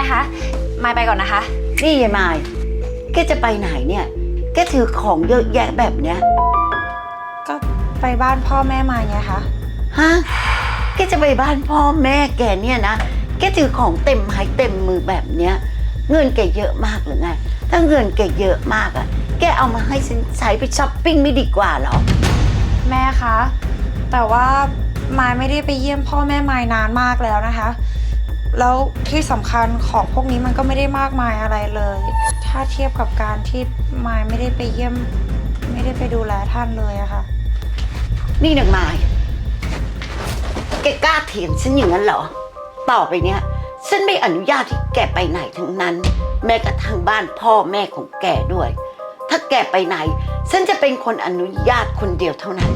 คะมายไปก่อนนะคะนี่ยายมายแกจะไปไหนเนี่ยแกถือของเยอะแยะแบบเนี้ยก็ไปบ้านพ่อแม่มายไงคะฮะแกจะไปบ้านพ่อแม่แกเนี่ยนะแกถือของเต็มไม้เต็มมือแบบเนี้ยเงินแกเยอะมากหรือไงถ้าเงินแกเยอะมากอะแกเอามาให้ฉันใช้ไปช้อปปิ้งไม่ดีกว่าหรอแม่คะแต่ว่ามายไม่ได้ไปเยี่ยมพ่อแม่มายนานมากแล้วนะคะแล้วที่สำคัญของพวกนี้มันก็ไม่ได้มากมายอะไรเลยถ้าเทียบกับการที่มายไม่ได้ไปเยี่ยมไม่ได้ไปดูแลท่านเลยอะค่ะนี่นางมายแกกล้าเถียงฉันอย่างนั้นเหรอต่อไปเนี้ยฉันไม่อนุญาตที่แกไปไหนทั้งนั้นแม้กระทั่งบ้านพ่อแม่ของแกด้วยถ้าแกไปไหนฉันจะเป็นคนอนุญาตคนเดียวเท่านั้น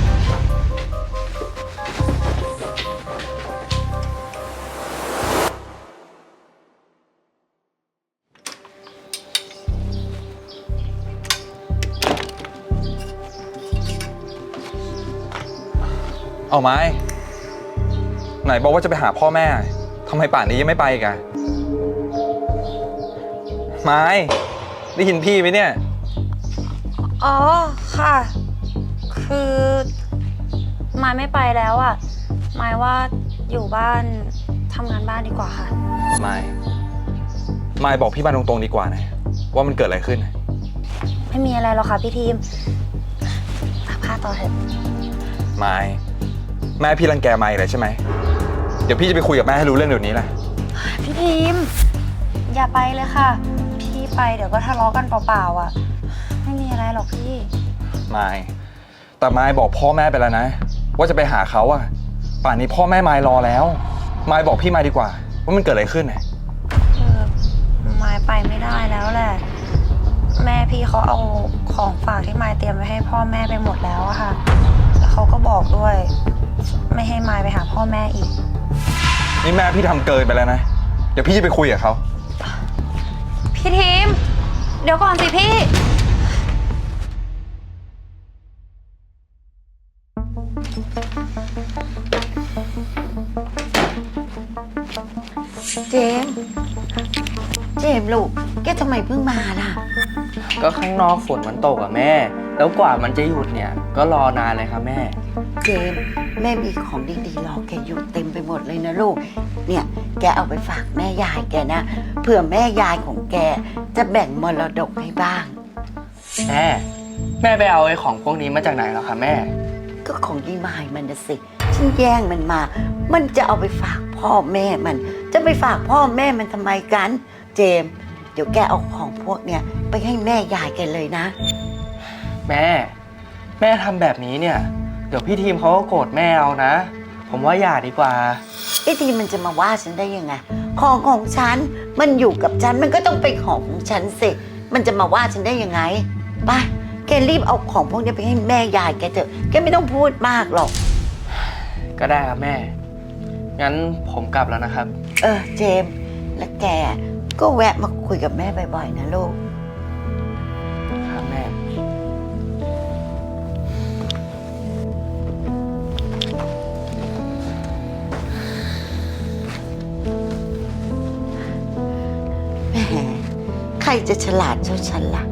เอาไม้ไหนบอกว่าจะไปหาพ่อแม่ทำไมป่านนี้ยังไม่ไปอีกอะไม้ได้ยินพี่ไหมเนี่ยอ๋อค่ะคือมายไม่ไปแล้วอะมายว่าอยู่บ้านทำงานบ้านดีกว่าค่ะไม่บอกพี่บ้านตรงๆดีกว่านะว่ามันเกิดอะไรขึ้นไม่มีอะไรหรอกค่ะพี่ทีมตักผ้าต่อเถอะไม่แม่พี่รังแกไม่เลยใช่ไหมเดี๋ยวพี่จะไปคุยกับแม่ให้รู้เรื่องเดี๋ยวนี้แหละพี่ทีมอย่าไปเลยค่ะพี่ไปเดี๋ยวก็ทะเลาะกันเปล่าๆอ่ะไม่มีอะไรหรอกพี่ไม่แต่ไม่บอกพ่อแม่ไปแล้วนะว่าจะไปหาเขาอะป่านนี้พ่อแม่ไม่รอแล้วไม่บอกพี่มาดีกว่าว่ามันเกิดอะไรขึ้นนะมายไปไม่ได้แล้วแหละแม่พี่เขาเอาของฝากที่มายเตรียมไว้ให้พ่อแม่ไปหมดแล้วอะค่ะแล้วเขาก็บอกด้วยไม่ให้มายไปหาพ่อแม่อีกนี่แม่พี่ทำเกินไปแล้วนะเดี๋ยวพี่จะไปคุยกับเขาพี่ทีมเดี๋ยวก่อนสิพี่เจมลูกแกทำไมเพิ่งมาล่ะก็ข้างนอกฝนมันตกอะแม่แล้วกว่ามันจะหยุดเนี่ยก็รอนานเลยครับแม่เจมแม่มีของดีๆรอแกอยู่เต็มไปหมดเลยนะลูกเนี่ยแกเอาไปฝากแม่ยายแกนะเผื่อแม่ยายของแกจะแบ่งมรดกให้บ้างแม่ไปเอาไอ้ของพวกนี้มาจากไหนหรอคะแม่ก็ของดีมายมันนะสิฉันแย่งมันมามันจะเอาไปฝากพ่อแม่มันจะไปฝากพ่อแม่มันทำไมกันเจมเดี๋ยวแกเอาของพวกเนี้ยไปให้แม่ยายแกเลยนะแม่ทำแบบนี้เนี่ยเดี๋ยวพี่ทีมเขาก็โกรธแม่เอานะผมว่าอย่าดีกว่าไอ้ทีมมันจะมาว่าฉันได้ยังไงของฉันมันอยู่กับฉันมันก็ต้องเป็นของฉันสิมันจะมาว่าฉันได้ยังไงไปแกรีบเอาของพวกนี้ไปให้แม่ยายแกเถอะแกไม่ต้องพูดมากหรอกก็ได้ครับแม่งั้นผมกลับแล้วนะครับเจมและแกก็แวะมาคุยกับแม่บ่อยๆนะลูกครับแม่ใครจะฉลาดเท่าฉันล่ะ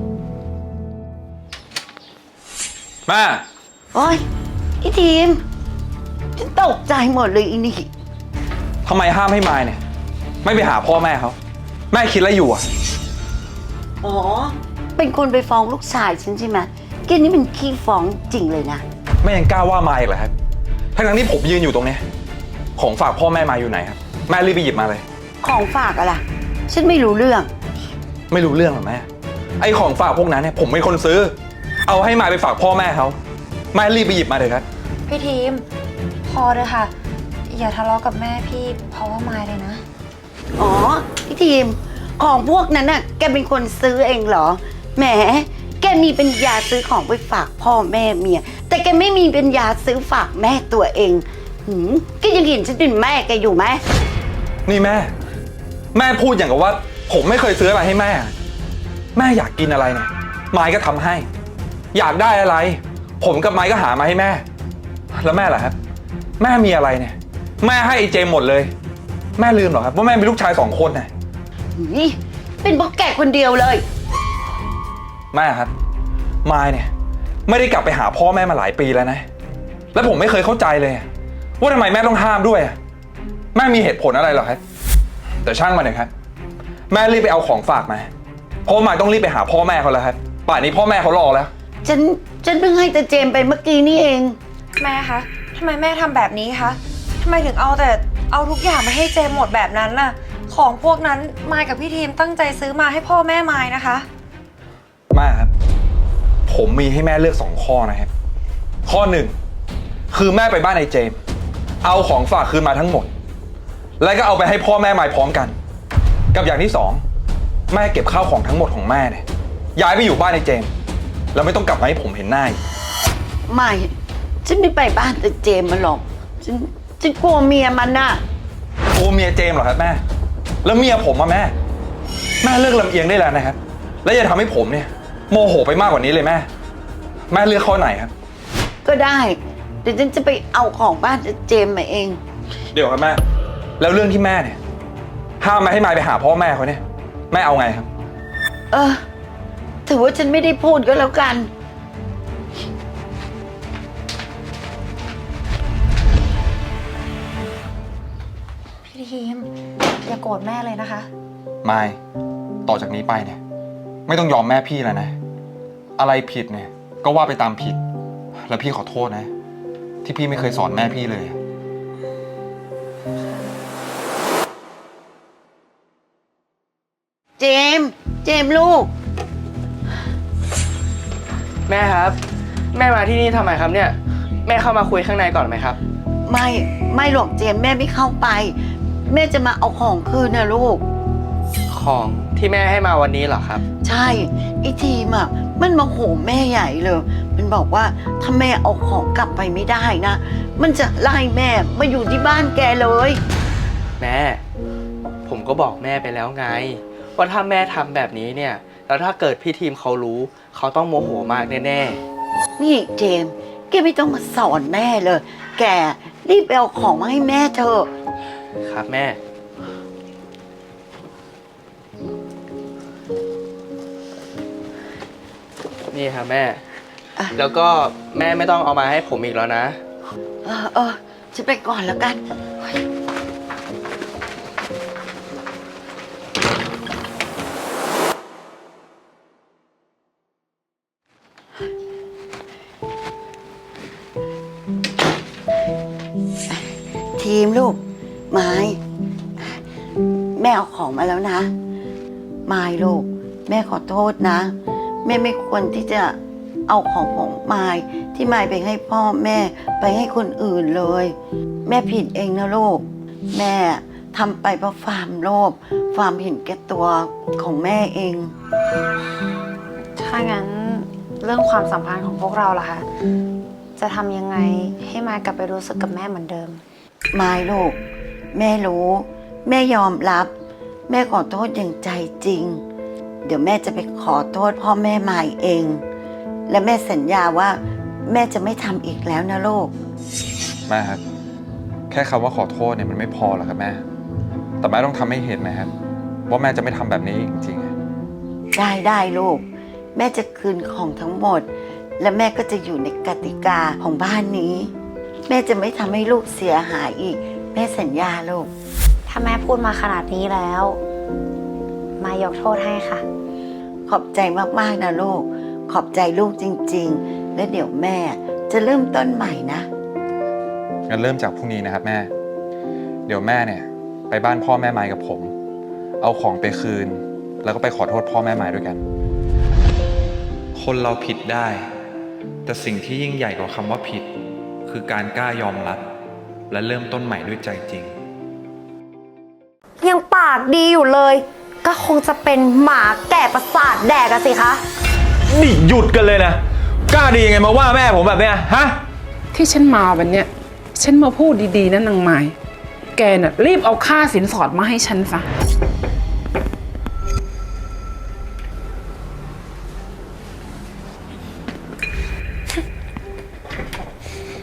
แม่โอ๊ยไอ้ทีมฉันตกใจหมดเลยอีนี่ทำไมห้ามให้มายเนี่ยไม่ไปหาพ่อแม่เขาแม่คิดอะไรอยู่อ่ะอ๋อเป็นคนไปฟ้องลูกชายฉันใช่ไหมแกนี่มันขี้ฟ้องจริงเลยนะแม่ยังกล้าว่ามายอีกเหรอครับทั้งที่ผมยืนอยู่ตรงนี้ของฝากพ่อแม่มายอยู่ไหนครับแม่รีบไปหยิบมาเลยของฝากอะไรฉันไม่รู้เรื่องไม่รู้เรื่องหรอแม่ไอ้ของฝากพวกนั้นเนี่ยผมเป็นคนซื้อเอาให้มายไปฝากพ่อแม่เขาแม่รีบไปหยิบมาเลยครับพี่ทีมพอเลยค่ะอย่าทะเลาะกับแม่พี่เพราะว่ามายเลยนะอ๋อพี่ทีมของพวกนั้นน่ะแกเป็นคนซื้อเองเหรอแหมแกมีปัญญาซื้อของไปฝากพ่อแม่เมียแต่แกไม่มีปัญญาซื้อฝากแม่ตัวเองแกยังเห็นฉันเป็นแม่แกอยู่ไหมนี่แม่พูดอย่างกับว่าผมไม่เคยซื้ออะไรให้แม่อยากกินอะไรเนี่ยไม้ก็ทำให้อยากได้อะไรผมกับไม้ก็หามาให้แม่แล้วแม่ล่ะครับแม่มีอะไรเนี่ยแม่ให้ไอ้เจมหมดเลยแม่ลืมเหรอครับว่าแม่มีลูกชาย2 คนน่ะนี่เป็นเพราะแกคนเดียวเลยแม่ครับมายเนี่ยไม่ได้กลับไปหาพ่อแม่มาหลายปีแล้วนะ แล้วผมไม่เคยเข้าใจเลยว่าทำไมแม่ต้องห้ามด้วยแม่มีเหตุผลอะไรหรอครับแต่ช่างมันเถอะครับแม่รีบไปเอาของฝากมาเพราะมายต้องรีบไปหาพ่อแม่เขาแล้วครับป่านนี้พ่อแม่เขารอแล้วฉันเพิ่งให้แต่เจมไปเมื่อกี้นี่เองแม่คะทำไมแม่ทำแบบนี้คะทำไมถึงเอาทุกอย่างมาให้เจมหมดแบบนั้นน่ะของพวกนั้นมายกับพี่ทีมตั้งใจซื้อมาให้พ่อแม่มายนะคะแม่ครับผมมีให้แม่เลือก2 ข้อนะครับข้อ 1คือแม่ไปบ้านไอ้เจมเอาของฝากคืนมาทั้งหมดแล้วก็เอาไปให้พ่อแม่มายพร้อมกันกับอย่างที่2แม่เก็บข้าวของทั้งหมดของแม่เนี่ยย้ายไปอยู่บ้านไอ้เจมแล้วไม่ต้องกลับมาให้ผมเห็นหน้าอีกไม่ฉันไม่ไปบ้านแต่เจมมาหรอกฉันกลัวเมียมันน่ะกลัวเมียเจมเหรอครับแม่แล้วเมียผมอะแม่เลิกลำเอียงได้แล้วนะครับแล้วอย่าทำให้ผมเนี่ยโมโหไปมากกว่านี้เลยแม่เลือกข้อไหนครับก็ได้เดี๋ยวฉันจะไปเอาของบ้านเจมมาเองเดี๋ยวครับแม่แล้วเรื่องที่แม่เนี่ยห้ามมาให้มายไปหาพ่อแม่เขาเนี่ยแม่เอาไงครับถือว่าฉันไม่ได้พูดก็แล้วกันพี่ทีมอย่าโกรธแม่เลยนะคะมายต่อจากนี้ไปเนี่ยไม่ต้องยอมแม่พี่แล้วนะอะไรผิดเนี่ยก็ว่าไปตามผิดแล้วพี่ขอโทษนะที่พี่ไม่เคยสอนแม่พี่เลยเจมลูกแม่ครับแม่มาที่นี่ทำไมครับเนี่ยแม่เข้ามาคุยข้างในก่อนไหมครับไม่หรอกเจมแม่ไม่เข้าไปแม่จะมาเอาของคืนนะลูกของที่แม่ให้มาวันนี้เหรอครับใช่ไอ้ทีมมันมาโหมแม่ใหญ่เลยมันบอกว่าถ้าแม่เอาของกลับไปไม่ได้นะมันจะไล่แม่มาอยู่ที่บ้านแกเลยแม่ผมก็บอกแม่ไปแล้วไงว่าถ้าแม่ทำแบบนี้เนี่ยแล้วถ้าเกิดพี่ทีมเขารู้เขาต้องโมโหมากแน่ๆนี่เจมแกไม่ต้องมาสอนแม่เลยแกรีบไปเอาของมาให้แม่เถอะครับแม่นี่ครับแม่แล้วก็แม่ไม่ต้องเอามาให้ผมอีกแล้วนะฉันไปก่อนแล้วกันทีมลูกไม้แม่เอาของมาแล้วนะไม้ลูกแม่ขอโทษนะแม่ไม่ควรที่จะเอาของไม้ที่ไม้ไปให้พ่อแม่ไปให้คนอื่นเลยแม่ผิดเองนะลูกแม่ทำไปเพราะความโลภความเห็นแก่ตัวของแม่เองถ้างั้นเรื่องความสัมพันธ์ของพวกเราล่ะคะจะทำยังไงให้มายกลับไปรู้สึกกับแม่เหมือนเดิมไม่ลูกแม่รู้แม่ยอมรับแม่ขอโทษอย่างใจจริงเดี๋ยวแม่จะไปขอโทษพ่อแม่ใหม่เองและแม่สัญญาว่าแม่จะไม่ทำอีกแล้วนะลูกแม่ครับแค่คำว่าขอโทษเนี่ยมันไม่พอหรอกครับแม่แต่แม่ต้องทำให้เห็นนะครับว่าแม่จะไม่ทำแบบนี้จริงๆได้ลูกแม่จะคืนของทั้งหมดและแม่ก็จะอยู่ในกติกาของบ้านนี้แม่จะไม่ทำให้ลูกเสียหายอีกแม่สัญญาลูกถ้าแม่พูดมาขนาดนี้แล้วมายกโทษให้ค่ะขอบใจมากๆนะลูกขอบใจลูกจริงๆและเดี๋ยวแม่จะเริ่มต้นใหม่นะงั้นเริ่มจากพรุ่งนี้นะครับแม่เดี๋ยวแม่เนี่ยไปบ้านพ่อแม่ไม้กับผมเอาของไปคืนแล้วก็ไปขอโทษพ่อแม่ไม้ด้วยกันคนเราผิดได้แต่สิ่งที่ยิ่งใหญ่กว่าคำว่าผิดคือการกล้ายอมรับและเริ่มต้นใหม่ด้วยใจจริงยังปากดีอยู่เลยก็คงจะเป็นหมาแก่ประสาทแดกสิคะนี่หยุดกันเลยนะกล้าดียังไงมาว่าแม่ผมแบบเนี้ยฮะที่ฉันมาวันเนี้ยฉันมาพูดดีๆนะนางไม้แกน่ะรีบเอาค่าสินสอดมาให้ฉันซะ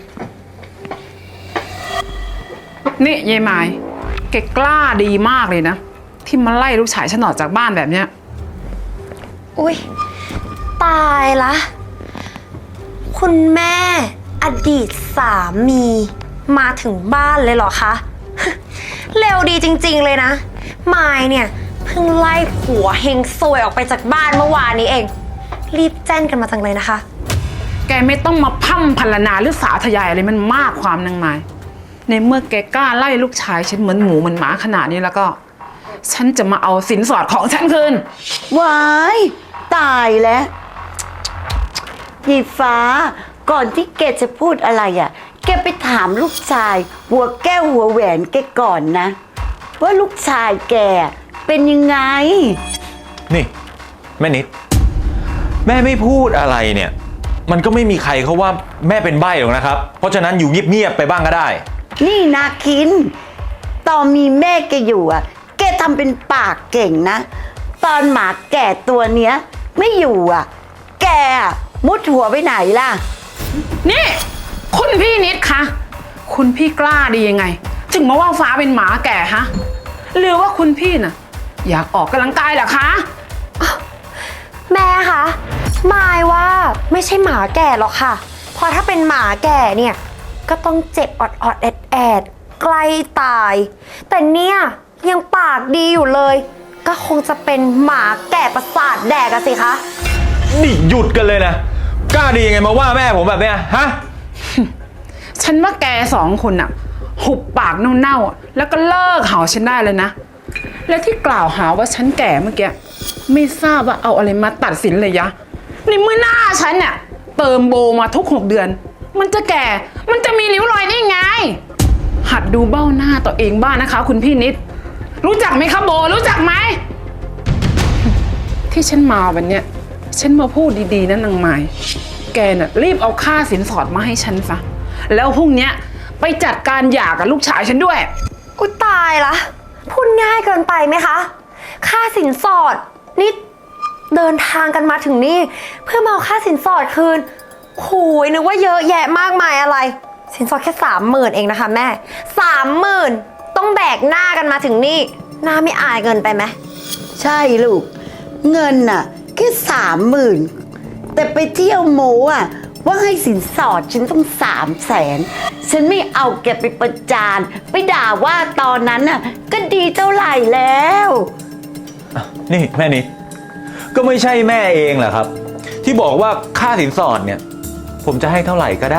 นี่ยายไม้แกกล้าดีมากเลยนะที่มาไล่ลูกชายฉันออกจากบ้านแบบเนี้ยอุ๊ย ตายละ คุณแม่อดีตสามีมาถึงบ้านเลยเหรอคะ เร็วดีจริงๆเลยนะมายเนี่ยเพิ่งไล่ผัวเฮงซวยออกไปจากบ้านเมื่อวานนี้เอง รีบแจ้งกันมาจังเลยนะคะแกไม่ต้องมาพร่ำพรรณนาหรือสาธยายอะไรมันมากความนางไม้ในเมื่อแกกล้าไล่ลูกชายฉันเหมือนหมูเหมือนหมาขนาดนี้แล้วก็ ฉันจะมาเอาสินสอดของฉันคืนว้ายตายแล้วยีฟ้าก่อนที่แกจะพูดอะไรอ่ะ แกไปถามลูกชาย หัวแก้วหัวแหวนแกก่อนนะ ว่าลูกชายแกเป็นยังไงนี่แม่นิด แม่ไม่พูดอะไรเนี่ย มันก็ไม่มีใครเขาว่าแม่เป็นใบ้หรอกนะครับ เพราะฉะนั้นอยู่เงียบๆไปบ้างก็ได้นี่นาคิน ตอนมีแม่แกอยู่อ่ะ แกทำเป็นปากเก่งนะ ตอนหมาแก่ตัวเนี้ย ไม่อยู่อ่ะ แกอะมุดหัวไปไหนล่ะนี่ คุณพี่นิดคะคุณพี่กล้าดียังไง ถึงมาว่าฟ้าเป็นหมาแก่ฮะหรือว่าคุณพี่น่ะ อยากออกกำลังกายเหรอคะแม่คะมายว่าไม่ใช่หมาแก่หรอกค่ะ เพราะถ้าเป็นหมาแก่เนี่ยก็ต้องเจ็บอดๆแอดๆใกล้ตาย แต่เนี่ยยังปากดีอยู่เลย ก็คงจะเป็นหมาแก่ประสาทแดกอะสิคะนี่หยุดกันเลยนะ กล้าดียังไงมาว่าแม่ผมแบบเนี้ยฮะฉันว่าแกสองคนน่ะ หุบปากเน่าๆแล้วก็เลิกเห่าฉันได้เลยนะ และที่กล่าวหาว่าฉันแก่เมื่อกี้ไม่ทราบว่าเอาอะไรมาตัดสินเลยยะในเมื่อหน้าฉันเนี่ยเติมโบมาทุก6 เดือน มันจะแก่มันจะมีริ้วรอยได้ไง หัดดูเบ้าหน้าตัวเองบ้างนะคะ คุณพี่นิด รู้จักไหมคะโบรู้จักไหม ที่ฉันมาวันเนี้ยฉันมาพูดดีๆนะนางไม้แกน่ะรีบเอาค่าสินสอดมาให้ฉันซะแล้วพรุ่งเนี้ยไปจัดการหย่ากับลูกชายฉันด้วยอุยตายละพูดง่ายเกินไปไหมคะ ค่าสินสอดนี่เดินทางกันมาถึงนี่เพื่อมาเอาค่าสินสอดคืนโหยนึกว่าเยอะแยะมากมายอะไร สินสอดแค่30,000เองนะคะแม่ 30,000ต้องแบกหน้ากันมาถึงนี่หน้าไม่อายเกินไปไหมใช่ลูก เงินน่ะแค่30,000แต่ไปเที่ยวโมอ่ะว่าให้สินสอดฉันต้อง300,000ฉันไม่เอาแกไปประจานไปด่าว่าตอนนั้นน่ะก็ดีเท่าไหร่แล้วนี่แม่นิด ก็ไม่ใช่แม่เองเหรอครับ ที่บอกว่าค่าสินสอดเนี่ย ผมจะให้เท่าไหร่ก็ได้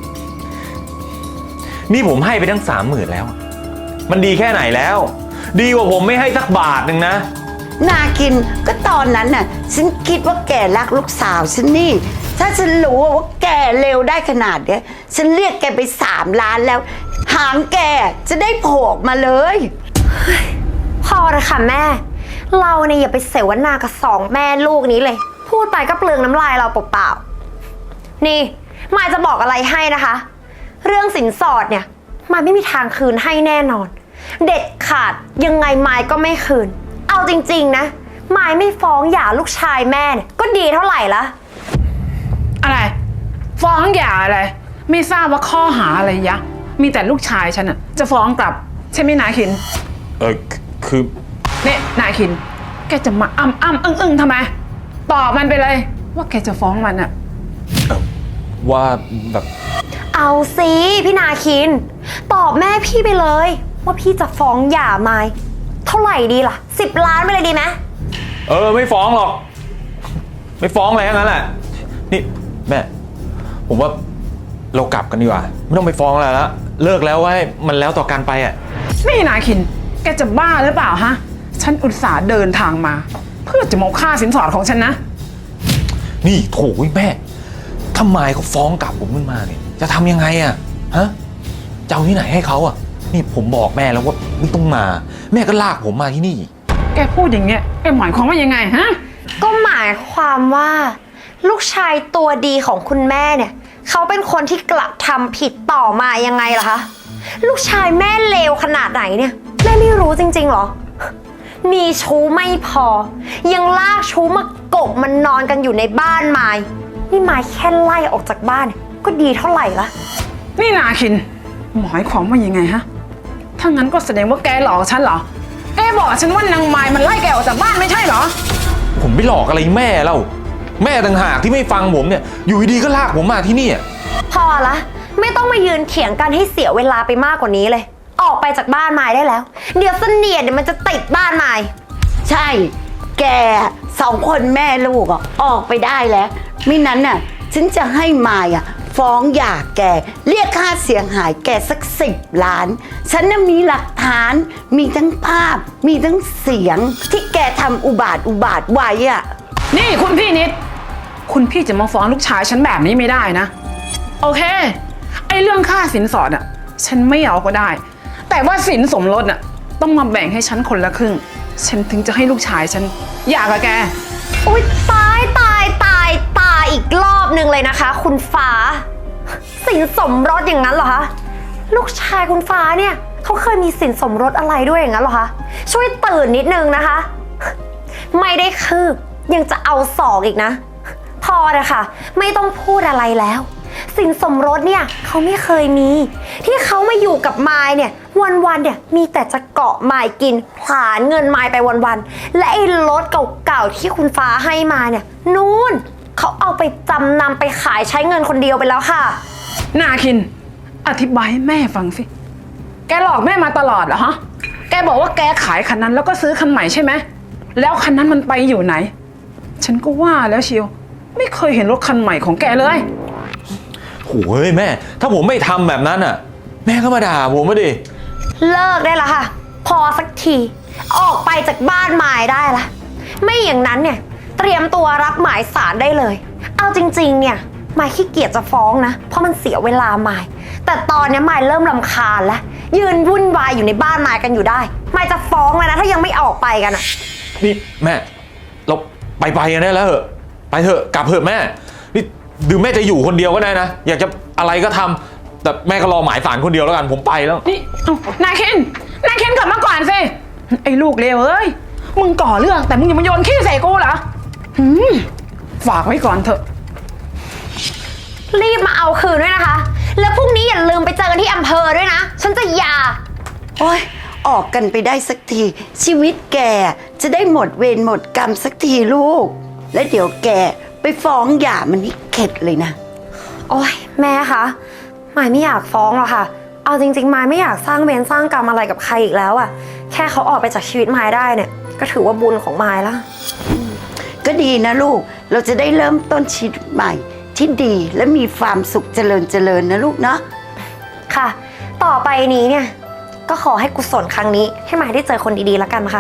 นี่ผมให้ไปทั้ง30,000แล้ว มันดีแค่ไหนแล้ว ดีกว่าผมไม่ให้สักบาทหนึ่งนะนาคินก็ตอนนั้นน่ะฉันคิดว่าแกรักลูกสาวฉันนี่ ถ้าฉันรู้ว่าแกเลวได้ขนาดเนี้ยฉันเรียกแกไป3 ล้านแล้ว หางแกจะได้โผล่ออกมาเลยพอเลยค่ะแม่ เราเนี่ยอย่าไปเสวนากับ2 แม่ลูกนี้เลย พูดไปก็เปลืองน้ำลายเราเปล่าๆนี่มายจะบอกอะไรให้นะคะ เรื่องสินสอดเนี่ยมายไม่มีทางคืนให้แน่นอน เด็ดขาดยังไงมายก็ไม่คืน เอาจริงๆนะมายไม่ฟ้องหย่าลูกชายแม่เนี่ยก็ดีเท่าไหร่ละอะไร ฟ้องหย่าอะไร ไม่ทราบว่าข้อหาอะไรยะ มีแต่ลูกชายฉันอะจะฟ้องกลับ ใช่ไหมนาคินคือเนี่ยนาคิน แกจะมาอึ้งทำไมตอบมันไปเลย ว่าแกจะฟ้องมันอะว่าแบบเอาสิพี่นาคิน ตอบแม่พี่ไปเลย ว่าพี่จะฟ้องหย่ามายเท่าไหร่ดีล่ะ10 ล้านไปเลยดีไหมไม่ฟ้องหรอก ไม่ฟ้องอะไรทั้งนั้นแหละ นี่แม่ ผมว่าเรากลับกันดีกว่า ไม่ต้องไปฟ้องอะไรแล้ว เลิกแล้วว่าให้มันแล้วต่อการไปอ่ะนี่นาคิน แกจะบ้าหรือเปล่าฮะ ฉันอุตส่าห์เดินทางมา เพื่อจะมาเอาค่าสินสอดของฉันนะนี่โถยแม่ถ้าไมายเขาฟ้องกลับผมขึ้นมาเนี่ยจะทำยังไงอ่ะฮะจะเอาที่ไหนให้เขาอ่ะ นี่ผมบอกแม่แล้วว่าไม่ต้องมา แม่ก็ลากผมมาที่นี่แกพูดอย่างเงี้ย แกหมายความว่ายังไงฮะก็หมายความว่า ลูกชายตัวดีของคุณแม่เนี่ยเขาเป็นคนที่กระทำผิดต่อมายังไงล่ะคะลูกชายแม่เลวขนาดไหนเนี่ยแม่ไม่รู้จริงๆหรอ มีชู้ไม่พอ ยังลากชู้มากบมันนอนกันอยู่ในบ้านไม้นี่ไม้แค่ไล่ออกจากบ้านเนี่ยก็ดีเท่าไหร่ละนี่นาคิน หมายความว่ายังไงฮะ ถ้างั้นก็แสดงว่าแกหลอกฉันเหรอแกบอกฉันว่านางไม้มันไล่แกออกจากบ้านไม่ใช่เหรอผมไปหลอกอะไรแม่เล่าแม่ต่างหากที่ไม่ฟังผมเนี่ย อยู่ดีๆก็ลากผมมาที่นี่อะพอละไม่ต้องมายืนเถียงกันให้เสียเวลาไปมากกว่านี้เลย ออกไปจากบ้านไม้ได้แล้ว เดี๋ยวเสนียดเดี๋ยวมันจะติดบ้านไม้ใช่ แกสองคนแม่ลูกอะออกไปได้แล้วไม่นั้นน่ะฉันจะให้มายอะฟ้องหย่าแก เรียกค่าเสียหายแกสัก10 ล้าน ฉันน่ะมีหลักฐาน มีทั้งภาพ มีทั้งเสียง ที่แกทำอุบาทไว้อะนี่คุณพี่นิด คุณพี่จะมาฟ้องลูกชายฉันแบบนี้ไม่ได้นะ โอเค ไอ้เรื่องค่าสินสอดอ่ะ ฉันไม่เอาก็ได้ แต่ว่าสินสมรสอ่ะต้องมาแบ่งให้ฉันคนละครึ่ง ฉันถึงจะให้ลูกชายฉันหย่ากับแกอุ๊ยตายอีกรอบหนึ่งเลยนะคะ คุณฟ้า สินสมรสอย่างนั้นเหรอคะลูกชายคุณฟ้าเนี่ยเขาเคยมีสินสมรสอะไรด้วยอย่างนั้นเหรอคะช่วยตื่นนิดนึงนะคะ ไม่ได้คืบยังจะเอาศอกอีกนะ พอเลยค่ะไม่ต้องพูดอะไรแล้ว สินสมรสเนี่ยเขาไม่เคยมี ที่เขามาอยู่กับมายเนี่ยวันๆเนี่ยมีแต่จะเกาะมายกินผลาญเงินมายไปวันๆและไอ้รถเก่าๆที่คุณฟ้าให้มาเนี่ยนู่นเขาเอาไปจำนำไปขายใช้เงินคนเดียวไปแล้วค่ะนาคิน อธิบายให้แม่ฟังสิ แกหลอกแม่มาตลอดเหรอฮะ แกบอกว่าแกขายคันนั้นแล้วก็ซื้อคันใหม่ใช่ไหม แล้วคันนั้นมันไปอยู่ไหน ฉันก็ว่าแล้วเชียว ไม่เคยเห็นรถคันใหม่ของแกเลยโอ้ยแม่ ถ้าผมไม่ทำแบบนั้นอ่ะ แม่ก็มาด่าผมมาดิเลิกได้ละค่ะ พอสักทีออกไปจากบ้านมายได้ละไม่อย่างนั้นเนี่ยเตรียมตัวรับหมายสารได้เลย เอาจริงๆเนี่ยมายขี้เกียจจะฟ้องนะเพราะมันเสียเวลามายแต่ตอนนี้มายเริ่มรำคาญแล้วยืนวุ่นวายอยู่ในบ้านมายกันอยู่ได้มายจะฟ้องแล้วนะถ้ายังไม่ออกไปกันอะนี่แม่ เราไปกันได้แล้วเหอะไปเถอะกลับเถอะแม่นี่ดูแม่จะอยู่คนเดียวก็ได้นะอยากจะอะไรก็ทำแต่แม่ก็รอหมายศาลคนเดียวแล้วกันผมไปแล้วนี่เอ้านายเคนกลับมาก่อนสิ ไอ้ลูกเลวเอ้ย มึงก่อเรื่องแต่มึงอย่ามาโยนขี้ใส่กูเหรอฝากไว้ก่อนเถอะรีบมาเอาคืนด้วยนะคะ แล้วพรุ่งนี้อย่าลืมไปเจอกันที่อำเภอด้วยนะฉันจะหย่าโอ๊ยออกกันไปได้สักทีชีวิตแกจะได้หมดเวรหมดกรรมสักทีลูก และเดี๋ยวแกไปฟ้องหย่ามันนี่เข็ดเลยนะโอ๊ยแม่คะมายไม่อยากฟ้องหรอกค่ะ เอาจริงๆมายไม่อยากสร้างเวรสร้างกรรมอะไรกับใครอีกแล้วอะแค่เขาออกไปจากชีวิตมายได้เนี่ยก็ถือว่าบุญของมายแล้วก็ดีนะลูกเราจะได้เริ่มต้นชีวิตใหม่ที่ดีและมีความสุขเจริญนะลูกเนาะค่ะ ต่อไปนี้เนี่ยก็ขอให้กุศลครั้งนี้ให้มายได้เจอคนดีๆแล้วกันนะคะ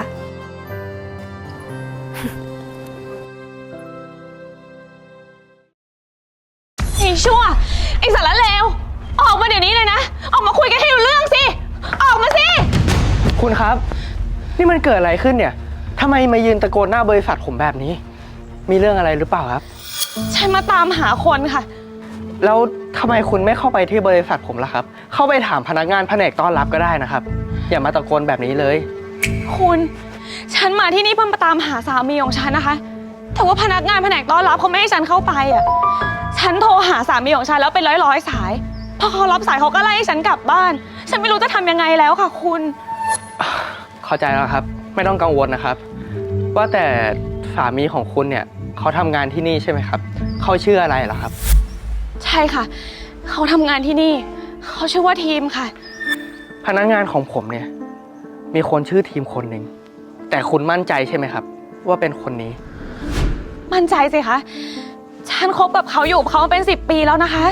ไอ้ชั่วไอ้สารเลวออกมาเดี๋ยวนี้เลยนะ ออกมาคุยกันให้รู้เรื่องสิ ออกมาสิคุณครับ นี่มันเกิดอะไรขึ้นเนี่ยทำไมมายืนตะโกนหน้าบริษัทผมแบบนี้ มีเรื่องอะไรหรือเปล่าครับฉันมาตามหาคนค่ะแล้วทำไมคุณไม่เข้าไปที่บริษัทผมล่ะครับ เข้าไปถามพนักงานแผนกต้อนรับก็ได้นะครับ อย่ามาตะโกนแบบนี้เลยคุณ ฉันมาที่นี่เพื่อมาตามหาสามีของฉันนะคะ แต่ว่าพนักงานแผนกต้อนรับเขาไม่ให้ฉันเข้าไปอ่ะ ฉันโทรหาสามีของฉันแล้วเป็นร้อยสาย พอเขารับสายเขาก็ไล่ให้ฉันกลับบ้าน ฉันไม่รู้จะทำยังไงแล้วค่ะคุณเข้าใจแล้วครับ ไม่ต้องกังวลนะครับ ว่าแต่สามีของคุณเนี่ยเขาทำงานที่นี่ใช่ไหมครับ เขาชื่ออะไรเหรอครับใช่ค่ะ เขาทำงานที่นี่ เขาชื่อว่าทีมค่ะพนักงานของผมเนี่ยมีคนชื่อทีมคนหนึ่งแต่คุณมั่นใจใช่ไหมครับ ว่าเป็นคนนี้มั่นใจสิคะ ฉันคบกับเขาอยู่กับเขามาเป็น10 ปีแล้วนะคะ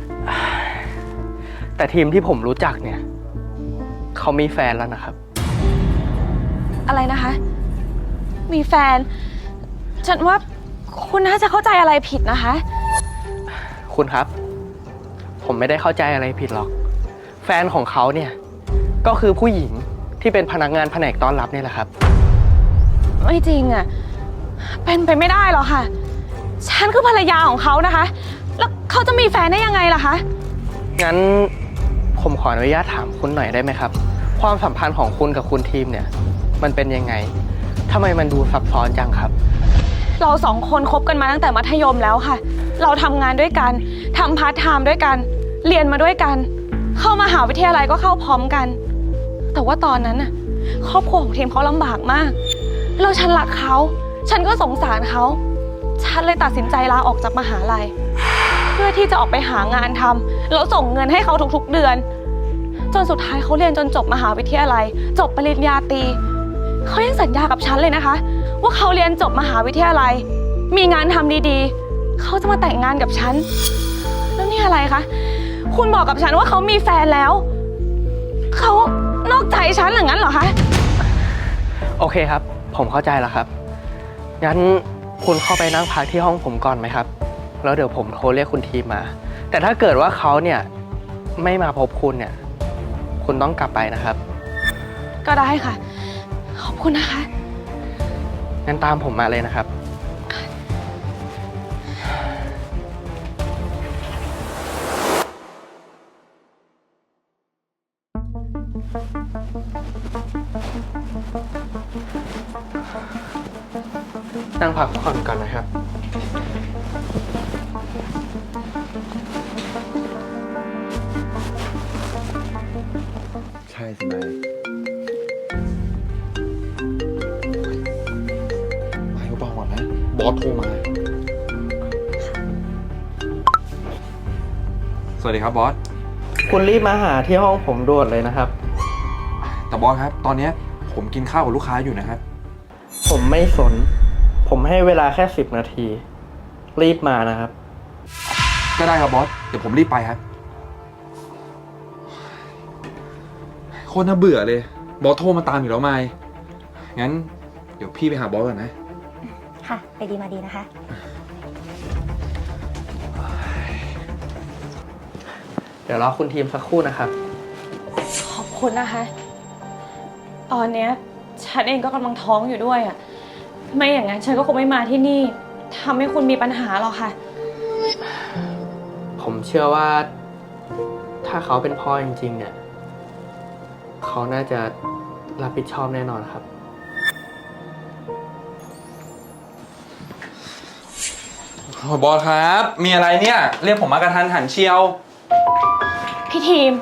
แต่ทีมที่ผมรู้จักเนี่ยเขามีแฟนแล้วนะครับอะไรนะคะ มีแฟน ฉันว่าคุณน่าจะเข้าใจอะไรผิดนะคะคุณครับ ผมไม่ได้เข้าใจอะไรผิดหรอก แฟนของเขาเนี่ยก็คือผู้หญิงที่เป็นพนักงานแผนกต้อนรับนี่แหละครับไม่จริงอ่ะ เป็นไปไม่ได้หรอกค่ะ ฉันคือภรรยาของเขานะคะ แล้วเขาจะมีแฟนได้ยังไงล่ะคะงั้นผมขออนุญาตถามคุณหน่อยได้ไหมครับ ความสัมพันธ์ของคุณกับคุณทีมเนี่ยมันเป็นยังไงทำไมมันดูซับซ้อนจังครับเรา2 คนคบกันมาตั้งแต่มัธยมแล้วค่ะ เราทำงานด้วยกันทำพาร์ทไทม์ด้วยกัน เรียนมาด้วยกัน เข้ามหาวิทยาลัยก็เข้าพร้อมกัน แต่ว่าตอนนั้นน่ะครอบครัวของทีมเขาลำบากมากแล้วฉันรักเขา ฉันก็สงสารเขา ฉันเลยตัดสินใจลาออกจากมหาลัย เพื่อที่จะออกไปหางานทำแล้วส่งเงินให้เขาทุกๆเดือน จนสุดท้ายเขาเรียนจนจบมหาวิทยาลัย จบปริญญาตรีเขายังสัญญากับฉันเลยนะคะ ว่าเขาเรียนจบมหาวิทยาลัย มีงานทำดีๆเขาจะมาแต่งงานกับฉันแล้วนี่อะไรคะคุณบอกกับฉันว่าเขามีแฟนแล้วเขานอกใจฉันหรืองั้นเหรอคะโอเคครับ ผมเข้าใจแล้วครับ งั้นคุณเข้าไปนั่งพักที่ห้องผมก่อนไหมครับ แล้วเดี๋ยวผมโทรเรียกคุณทีมมา แต่ถ้าเกิดว่าเขาเนี่ยไม่มาพบคุณเนี่ย คุณต้องกลับไปนะครับก็ได้ค่ะ ขอบคุณนะคะงั้นตามผมมาเลยนะครับ นั่งพักผ่อนก่อนนะครับใช่สินายไม่ก็บอกก่อนนะ บอสโทรมา สวัสดีครับบอสคุณรีบมาหาที่ห้องผมด่วนเลยนะครับแต่บอสครับ ตอนเนี้ยผมกินข้าวกับลูกค้าอยู่นะครับผมไม่สน ผมให้เวลาแค่10 นาที รีบมานะครับก็ได้ครับบอส เดี๋ยวผมรีบไปครับ โคตรน่าเบื่อเลย บอสโทรมาตามอยู่แล้วไม่งั้น เดี๋ยวพี่ไปหาบอสก่อนนะค่ะ ไปดีมาดีนะคะเดี๋ยวรอคุณทีมสักครู่นะครับขอบคุณนะคะ ตอนเนี้ยฉันเองก็กำลังท้องอยู่ด้วยอ่ะ ไม่อย่างนั้นฉันก็คงไม่มาที่นี่ทำให้คุณมีปัญหาหรอกค่ะผมเชื่อว่าถ้าเขาเป็นพ่อจริงๆเนี่ย เขาน่าจะรับผิดชอบแน่นอนครับบอสครับ มีอะไรเนี่ย เรียกผมมากระทันหันเชียวพี่ทีม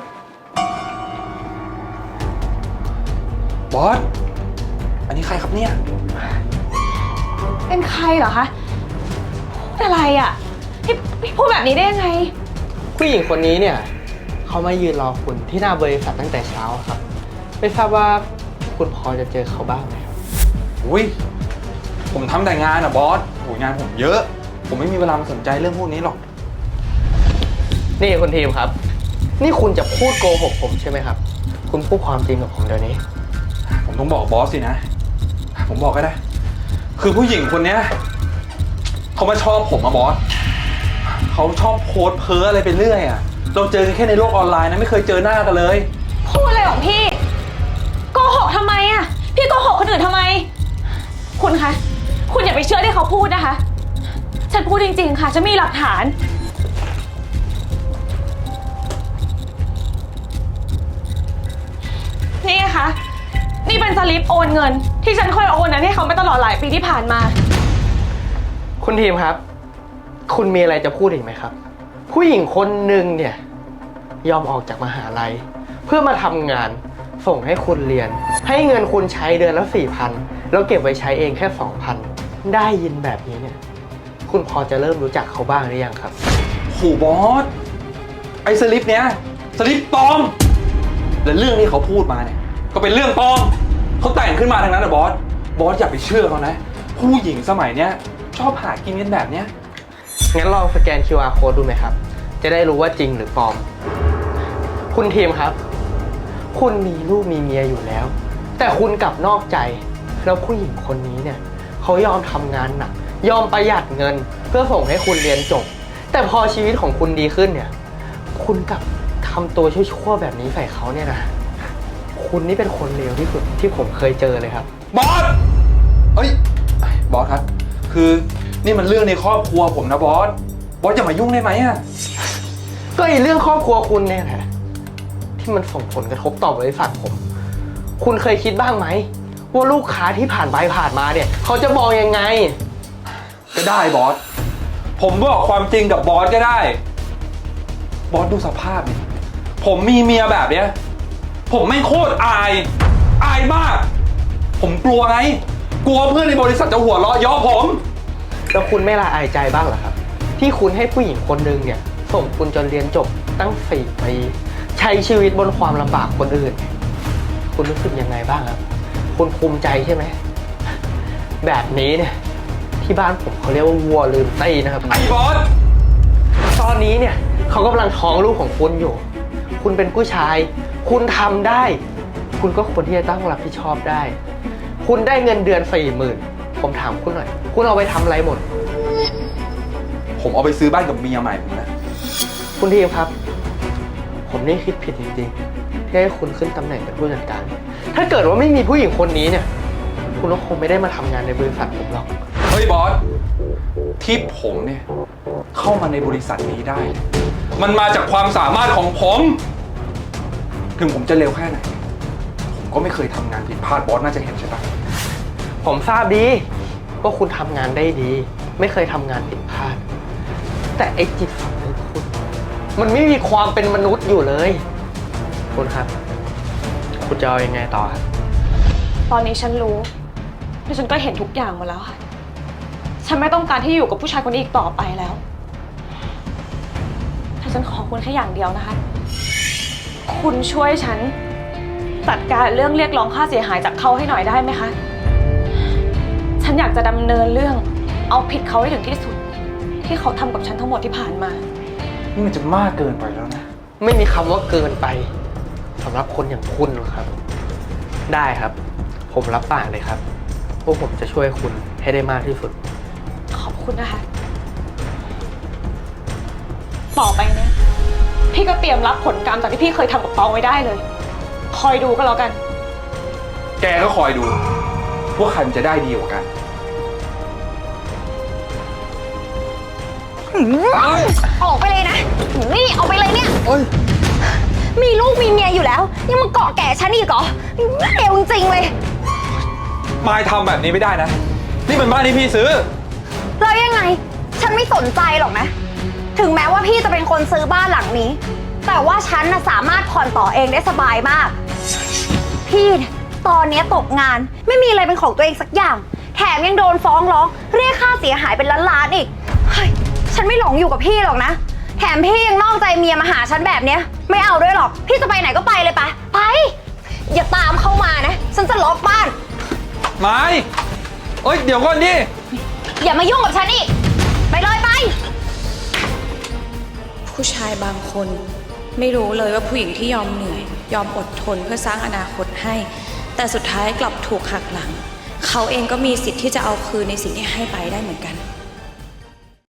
บอส อันนี้ใครครับเนี่ยเป็นใครเหรอคะพูดอะไรอ่ะพี่พูดแบบนี้ได้ยังไงผู้หญิงคนนี้เนี่ย เขามายืนรอคุณที่หน้าบริษัทตั้งแต่เช้าครับ ไม่ทราบว่าคุณพอจะเจอเขาบ้างไหมครับอุ้ย ผมทำแต่งานอะบอสโหงานผมเยอะ ผมไม่มีเวลามาสนใจเรื่องพวกนี้หรอกนี่คุณทีมครับ นี่คุณจะพูดโกหกผมใช่ไหมครับ คุณพูดความจริงกับผมเดี๋ยวนี้ผมต้องบอกบอสสินะ ผมบอกก็ได้ คือผู้หญิงคนเนี้ยเขามาชอบผมอะบอส เขาชอบโพสต์เพ้ออะไรไปเรื่อยอะเราเจอกันแค่ในโลกออนไลน์นะไม่เคยเจอหน้ากันเลยพูดอะไรของพี่โกหกทำไมอ่ะพี่โกหกคนอื่นทำไม คุณคะคุณอย่าไปเชื่อที่เขาพูดนะคะ ฉันพูดจริงๆค่ะฉันมีหลักฐาน นี่ไงคะนี่เป็นสลิปโอนเงิน ที่ฉันเคยโอนนั้นให้เขามาตลอดหลายปีที่ผ่านมาคุณทีมครับ คุณมีอะไรจะพูดอีกไหมครับ ผู้หญิงคนหนึ่งเนี่ยยอมออกจากมหาลัย เพื่อมาทำงานส่งให้คุณเรียน ให้เงินคุณใช้เดือนละ4,000แล้วเก็บไว้ใช้เองแค่2,000ได้ยินแบบนี้เนี่ย คุณพอจะเริ่มรู้จักเขาบ้างหรือยังครับโหบอส ไอ้สลิปเนี้ยสลิปปลอม และเรื่องที่เขาพูดมาเนี่ยก็เป็นเรื่องปลอมเขาแต่งขึ้นมาทั้งนั้นนะบอส บอสอย่าไปเชื่อเขานะ ผู้หญิงสมัยเนี้ยชอบหากินกันแบบเนี้ยงั้นลองสแกน QR code ดูไหมครับ จะได้รู้ว่าจริงหรือปลอม คุณทีมครับ คุณมีลูกมีเมียอยู่แล้ว แต่คุณกลับนอกใจ แล้วผู้หญิงคนนี้เนี่ยเขายอมทำงานหนัก ยอมประหยัดเงิน เพื่อส่งให้คุณเรียนจบ แต่พอชีวิตของคุณดีขึ้นเนี่ย คุณกลับทำตัวชั่วๆแบบนี้ใส่เขาเนี่ยนะ คุณนี่เป็นคนเลวที่สุดที่ผมเคยเจอเลยครับบอส เอ้ย บอสครับ คือนี่มันเรื่องในครอบครัวผมนะบอส บอสอย่ามายุ่งได้ไหมอะก็ไอ้เรื่องครอบครัวคุณเนี่ยแหละที่มันส่งผลกระทบต่อบริษัทผม คุณเคยคิดบ้างไหมว่าลูกค้าที่ผ่านไปผ่านมาเนี่ยเขาจะมองยังไงก็ได้บอส ผมบอกความจริงกับบอสก็ได้ บอสดูสภาพดิผมมีเมียแบบเนี้ย ผมไม่โคตรอายอายมาก ผมกลัวไง กลัวเพื่อนในบริษัทจะหัวเราะเยาะผมแล้วคุณไม่ละอายใจบ้างเหรอครับ ที่คุณให้ผู้หญิงคนหนึ่งเนี่ยส่งคุณจนเรียนจบตั้ง4 ปีใช้ชีวิตบนความลำบากคนอื่น คุณรู้สึกยังไงบ้างครับ คุณภูมิใจใช่ไหม แบบนี้เนี่ยที่บ้านผมเขาเรียกว่าวัวลืมตีนะครับไอ้บอสตอนนี้เนี่ยเขากำลังท้องลูกของคุณอยู่ คุณเป็นผู้ชาย คุณทำได้ คุณก็ควรที่จะต้องรับผิดชอบได้ คุณได้เงินเดือน40,000ผมถามคุณหน่อย คุณเอาไปทำอะไรหมดผมเอาไปซื้อบ้านกับเมียใหม่ผมนะคุณทีมครับ ผมนี่คิดผิดจริงๆที่ให้คุณขึ้นตำแหน่งเป็นผู้จัดการ ถ้าเกิดว่าไม่มีผู้หญิงคนนี้เนี่ย คุณก็คงไม่ได้มาทำงานในบริษัทผมหรอกเฮ้ยบอส ที่ผมเนี่ยเข้ามาในบริษัทนี้ได้ มันมาจากความสามารถของผม ถึงผมจะเร็วแค่ไหน ผมก็ไม่เคยทำงานผิดพลาดบอสน่าจะเห็นใช่ปะผมทราบดีว่าคุณทำงานได้ดี ไม่เคยทำงานผิดพลาด แต่ไอ้จิตสำนึกคุณ มันไม่มีความเป็นมนุษย์อยู่เลย คุณครับ คุณจะเอายังไงต่อครับตอนนี้ฉันรู้และฉันก็เห็นทุกอย่างหมดแล้วค่ะ ฉันไม่ต้องการที่อยู่กับผู้ชายคนนี้อีกต่อไปแล้วแต่ฉันขอคุณแค่อย่างเดียวนะคะ คุณช่วยฉันจัดการเรื่องเรียกร้องค่าเสียหายจากเขาให้หน่อยได้ไหมคะ ฉันอยากจะดำเนินเรื่องเอาผิดเขาให้ถึงที่สุด ที่เขาทำกับฉันทั้งหมดที่ผ่านมานี่มันจะมากเกินไปแล้วนะไม่มีคำว่าเกินไปสำหรับคนอย่างคุณหรอกครับ ได้ครับ ผมรับปากเลยครับว่าผมจะช่วยคุณให้ได้มากที่สุดขอบคุณนะคะ ต่อไปเนี่ยพี่ก็เตรียมรับผลกรรมจากที่พี่เคยทำกับตองไว้ได้เลย คอยดูก็แล้วกันแกก็คอยดูว่าใครมันจะได้ดีกว่ากันออกไปเลยนะ นี่ออกไปเลยเนี่ย มีลูกมีเมียอยู่แล้ว ยังมาเกาะแก่ฉันอีกเหรอเร็วจริงๆเลยมายทำแบบนี้ไม่ได้นะ นี่มันบ้านที่พี่ซื้อแล้วยังไง ฉันไม่สนใจหรอกนะ ถึงแม้ว่าพี่จะเป็นคนซื้อบ้านหลังนี้ แต่ว่าฉันน่ะสามารถผ่อนต่อเองได้สบายมาก พี่เนี่ยตอนนี้ตกงานไม่มีอะไรเป็นของตัวเองสักอย่าง แถมยังโดนฟ้องร้องเรียกค่าเสียหายเป็นล้านๆอีกเฮ้ยฉันไม่หลงอยู่กับพี่หรอกนะ แถมพี่ยังนอกใจเมียมาหาฉันแบบเนี้ยไม่เอาด้วยหรอก พี่จะไปไหนก็ไปเลยไปไป อย่าตามเข้ามานะ ฉันจะล็อกบ้านไม้เอ้ย เดี๋ยวก่อนดิอย่ามายุ่งกับฉันอีก ไปเลยไปผู้ชายบางคนไม่รู้เลยว่าผู้หญิงที่ยอมเหนื่อย ยอมอดทนเพื่อสร้างอนาคตให้ แต่สุดท้ายกลับถูกหักหลัง เขาเองก็มีสิทธิ์ที่จะเอาคืนในสิ่งที่ให้ไปได้เหมือนกัน